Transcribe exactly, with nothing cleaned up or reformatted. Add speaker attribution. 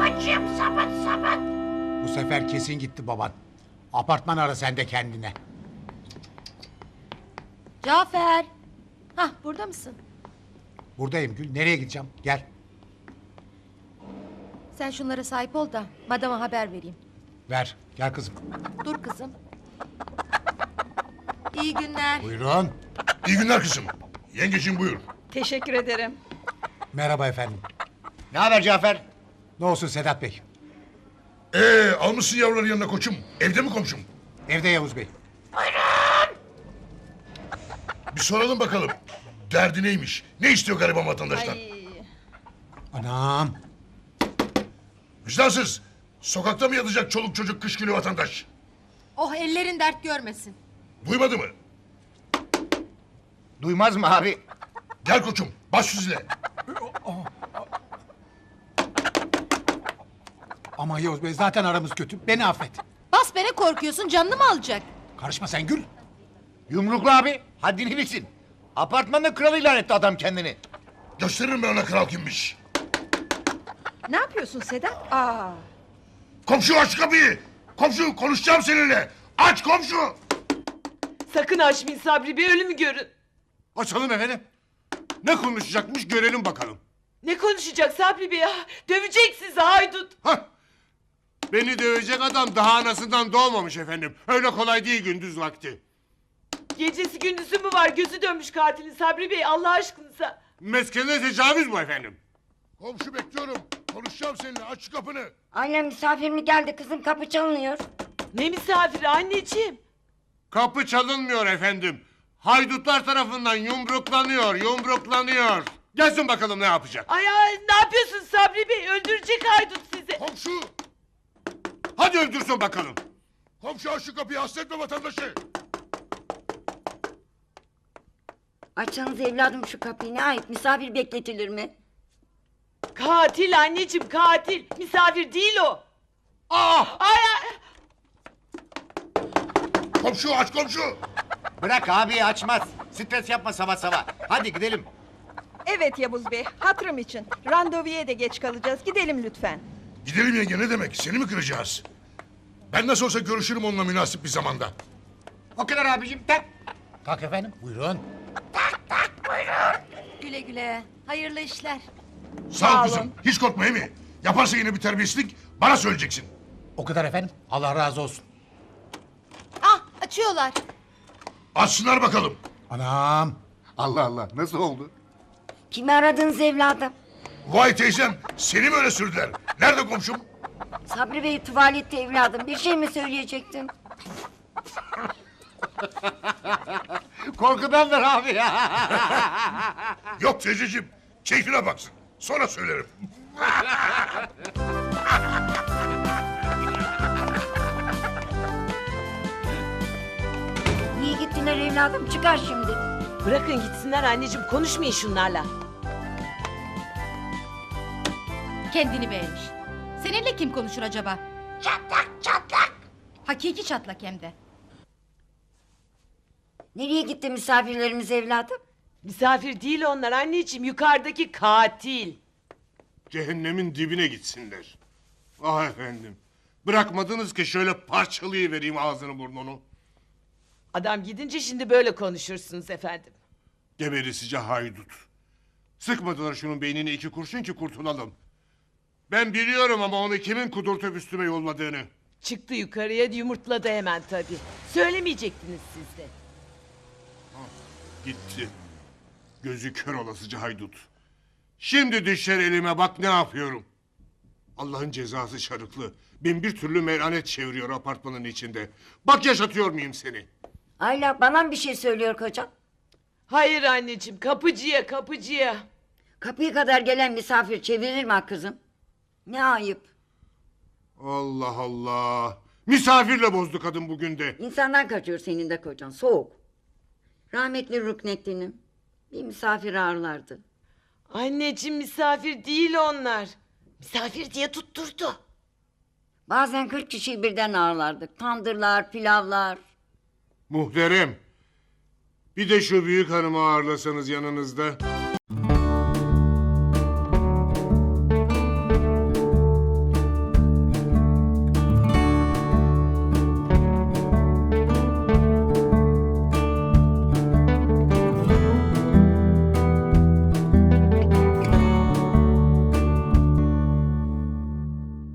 Speaker 1: babacığım, sabit sabit.
Speaker 2: Bu sefer kesin gitti baban. Apartman ara sen de kendine.
Speaker 3: Cafer. Hah, burada mısın?
Speaker 2: Buradayım Gül. Nereye gideceğim? Gel.
Speaker 3: Sen şunlara sahip ol da madama haber vereyim.
Speaker 2: Ver. Gel kızım.
Speaker 3: Dur kızım. İyi günler.
Speaker 2: Buyurun.
Speaker 4: İyi günler kızım. Yengeciğim buyur.
Speaker 5: Teşekkür ederim.
Speaker 2: Merhaba efendim.
Speaker 6: Ne haber Cafer?
Speaker 2: Ne olsun Sedat Bey?
Speaker 4: Ee, almışsın yavruları yanına koçum. Evde mi komşum?
Speaker 2: Evde Yavuz Bey.
Speaker 4: Bir soralım bakalım. Derdi neymiş? Ne istiyor gariban vatandaştan?
Speaker 5: Ay,
Speaker 2: Anam.
Speaker 4: Vicdansız. Sokakta mı yatacak çoluk çocuk kış günü vatandaş?
Speaker 3: Oh, ellerin dert görmesin.
Speaker 4: Duymadı mı?
Speaker 6: Duymaz mı abi?
Speaker 4: Gel koçum. Baş yüzle.
Speaker 2: Ama Yavuz Bey zaten aramız kötü. Beni affet.
Speaker 3: Bas beni, korkuyorsun, canını mı alacak?
Speaker 2: Karışma sen Gül.
Speaker 6: Yumruklu abi. Haddini bilsin. Apartmanın kralı ilan etti adam kendini.
Speaker 4: Gösteririm ben ona kral kimmiş.
Speaker 5: ne yapıyorsun Sedat? Aa,
Speaker 4: Komşu aç kapıyı. Komşu konuşacağım seninle. Aç komşu.
Speaker 7: Sakın açmayın Sabri Bey, ölümü görün.
Speaker 8: Açalım efendim. Ne konuşacakmış görelim bakalım.
Speaker 7: Ne konuşacak Sabri Bey ya? Dövecek sizi haydut.
Speaker 8: Hah! Beni dövecek adam daha anasından doğmamış efendim. Öyle kolay değil gündüz vakti.
Speaker 7: Gecesi gündüzü mü var, gözü dönmüş katilin Sabri Bey, Allah aşkınıza.
Speaker 8: Meskene tecavüz bu efendim.
Speaker 4: Komşu bekliyorum. Konuşacağım seninle. Aç şu kapını.
Speaker 9: Annem misafir mi geldi kızım, kapı çalınıyor.
Speaker 7: Ne misafiri anneciğim?
Speaker 8: Kapı çalınmıyor efendim. Haydutlar tarafından yumruklanıyor, yumruklanıyor. Gelsin bakalım ne yapacak.
Speaker 7: Ay ay, ne yapıyorsun Sabri Bey? Öldürecek haydut sizi.
Speaker 4: Komşu.
Speaker 8: Hadi öldürsün bakalım.
Speaker 4: Komşu aç şu kapıyı. Hasretme vatandaşı.
Speaker 9: Açsanız evladım şu kapıyı, ne ayıp, misafir bekletilir mi?
Speaker 7: Katil anneciğim, katil. Misafir değil o.
Speaker 8: Aa!
Speaker 7: Ay ay.
Speaker 4: Komşu aç komşu.
Speaker 6: Bırak abi açmaz. Stres yapma sabah sabah. Hadi gidelim.
Speaker 5: evet Yavuz Bey, hatırım için. Randevuya da geç kalacağız. Gidelim lütfen.
Speaker 4: Gidelim yenge ne demek? Seni mi kıracağız? Ben nasıl olsa görüşürüm onunla münasip bir zamanda.
Speaker 6: O kadar abicim. Tak.
Speaker 2: Kalk efendim. Buyurun.
Speaker 3: Güle güle. Hayırlı işler.
Speaker 4: Sağ ol kızım. Hiç korkma mi? Yaparsa yine bir terbiyesizlik bana söyleyeceksin.
Speaker 2: O kadar efendim. Allah razı olsun.
Speaker 3: Ah, açıyorlar.
Speaker 4: Açsınlar bakalım.
Speaker 2: Anam.
Speaker 6: Allah Allah nasıl oldu?
Speaker 9: Kimi aradınız evladım?
Speaker 4: Vay teyzem seni mi öyle sürdüler? Nerede komşum?
Speaker 9: Sabri Bey tuvalette evladım, bir şey mi söyleyecektim?
Speaker 6: Korkudandır abi ya.
Speaker 4: Yok teyzeciğim. Keyfine baksın. Sonra söylerim.
Speaker 9: Niye gittiler evladım, çıkar şimdi.
Speaker 7: Bırakın gitsinler anneciğim, konuşmayın şunlarla.
Speaker 3: Kendini beğenmiş. Seninle kim konuşur acaba? Çatlak çatlak. Hakiki çatlak hem de.
Speaker 9: Nereye gitti misafirlerimiz evladım?
Speaker 7: Misafir değil onlar anneciğim, yukarıdaki katil.
Speaker 8: Cehennemin dibine gitsinler. Ah efendim. Bırakmadınız ki şöyle parçalayıvereyim ağzını burnunu.
Speaker 7: Adam gidince şimdi böyle konuşursunuz efendim.
Speaker 8: Geberisice haydut. Sıkmadılar şunun beynine iki kurşun ki kurtulalım. Ben biliyorum ama onu kimin kudurtup üstüme yolladığını.
Speaker 7: Çıktı yukarıya, yumurtladı hemen tabii. Söylemeyecektiniz siz de.
Speaker 8: Gitti. Gözü kör olasıca haydut. Şimdi düşer elime bak ne yapıyorum. Allah'ın cezası şarıklı. Bin bir türlü melanet çeviriyor apartmanın içinde. Bak yaşatıyor muyum seni?
Speaker 9: Ayla, bana mı bir şey söylüyor kocam?
Speaker 7: Hayır anneciğim, kapıcıya kapıcıya.
Speaker 9: Kapıya kadar gelen misafir çevirir mi ha kızım? Ne ayıp.
Speaker 8: Allah Allah. Misafirle bozdu kadın bugün de.
Speaker 9: İnsandan kaçıyor senin de kocan, soğuk. Rahmetli Ruknettin'im bir misafir ağırlardı.
Speaker 7: Anneciğim misafir değil onlar. Misafir diye tutturdu.
Speaker 9: Bazen kırk kişiyi birden ağırlardık. Tandırlar, pilavlar.
Speaker 8: Muhterem. Bir de şu büyük hanımı ağırlasanız yanınızda.